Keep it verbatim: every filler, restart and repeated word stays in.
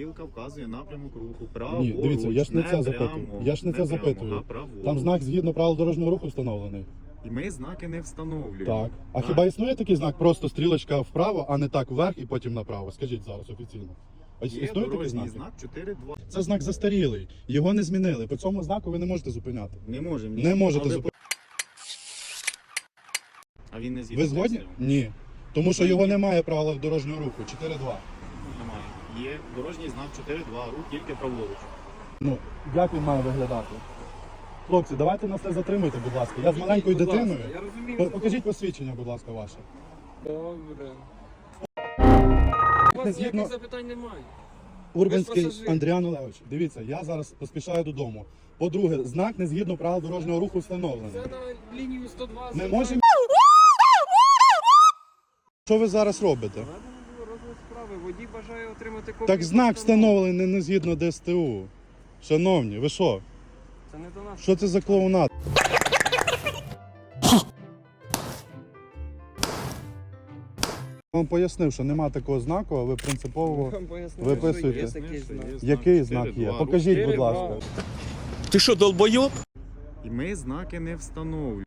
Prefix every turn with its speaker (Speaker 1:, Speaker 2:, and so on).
Speaker 1: стрілка вказує напрямок руху. Право,
Speaker 2: Ні, дивіться, я ж не це запитую.
Speaker 1: прямо,
Speaker 2: Я ж не це
Speaker 1: прямо,
Speaker 2: запитую.
Speaker 1: направо.
Speaker 2: Там знак згідно правил дорожнього руху встановлений.
Speaker 1: І ми знаки не встановлюємо.
Speaker 2: Так. А хіба існує такий знак, просто стрілочка вправо, а не так вверх і потім направо? Скажіть зараз офіційно. А
Speaker 1: Є
Speaker 2: існує такий
Speaker 1: дорожній
Speaker 2: знак?
Speaker 1: знак чотири два.
Speaker 2: Це знак застарілий. Його не змінили. По цьому знаку ви не можете зупиняти.
Speaker 1: Не можемо. ні.
Speaker 2: Не можете
Speaker 1: Але-
Speaker 2: зупиняти.
Speaker 1: А він не згідний.
Speaker 2: Ви згодні? Ні. Тому що його немає в правилах дорожнього руху. чотири два.
Speaker 1: Немає. Є дорожній знак чотири два, рух тільки праворуч.
Speaker 2: Ну, як він має виглядати? Хлопці, давайте нас не затримуйте, будь ласка. Я з маленькою
Speaker 3: Будь ласка,
Speaker 2: дитиною.
Speaker 3: Я розумію.
Speaker 2: По- Покажіть посвідчення, будь ласка, ваше.
Speaker 3: Добре. У вас
Speaker 2: Згідно-
Speaker 3: ніяких запитань немає.
Speaker 2: Урбанський
Speaker 3: пасажир.
Speaker 2: Андріан Олегович, дивіться, я зараз поспішаю додому. По-друге, знак не згідно правил дорожнього руху встановлений.
Speaker 3: Це на лінію сто два.
Speaker 2: Ми можемо... Що ви зараз робите?
Speaker 3: Розгляд справи. Водій бажає отримати копію.
Speaker 2: Так знак
Speaker 3: постанови.
Speaker 2: встановлений не, не згідно ДСТУ. Шановні, ви що?
Speaker 3: Це не до нас.
Speaker 2: Що це за клоунад? Я вам пояснив, що нема такого знаку, а ви принципово...
Speaker 3: Вам пояснили,
Speaker 2: Виписуйте.
Speaker 3: що є такий знак.
Speaker 2: Який знак є?
Speaker 1: чотири два, рух
Speaker 2: Покажіть, будь
Speaker 3: чотири два.
Speaker 2: ласка.
Speaker 4: Ти що, долбойоб?
Speaker 1: І ми знаки не встановлюємо.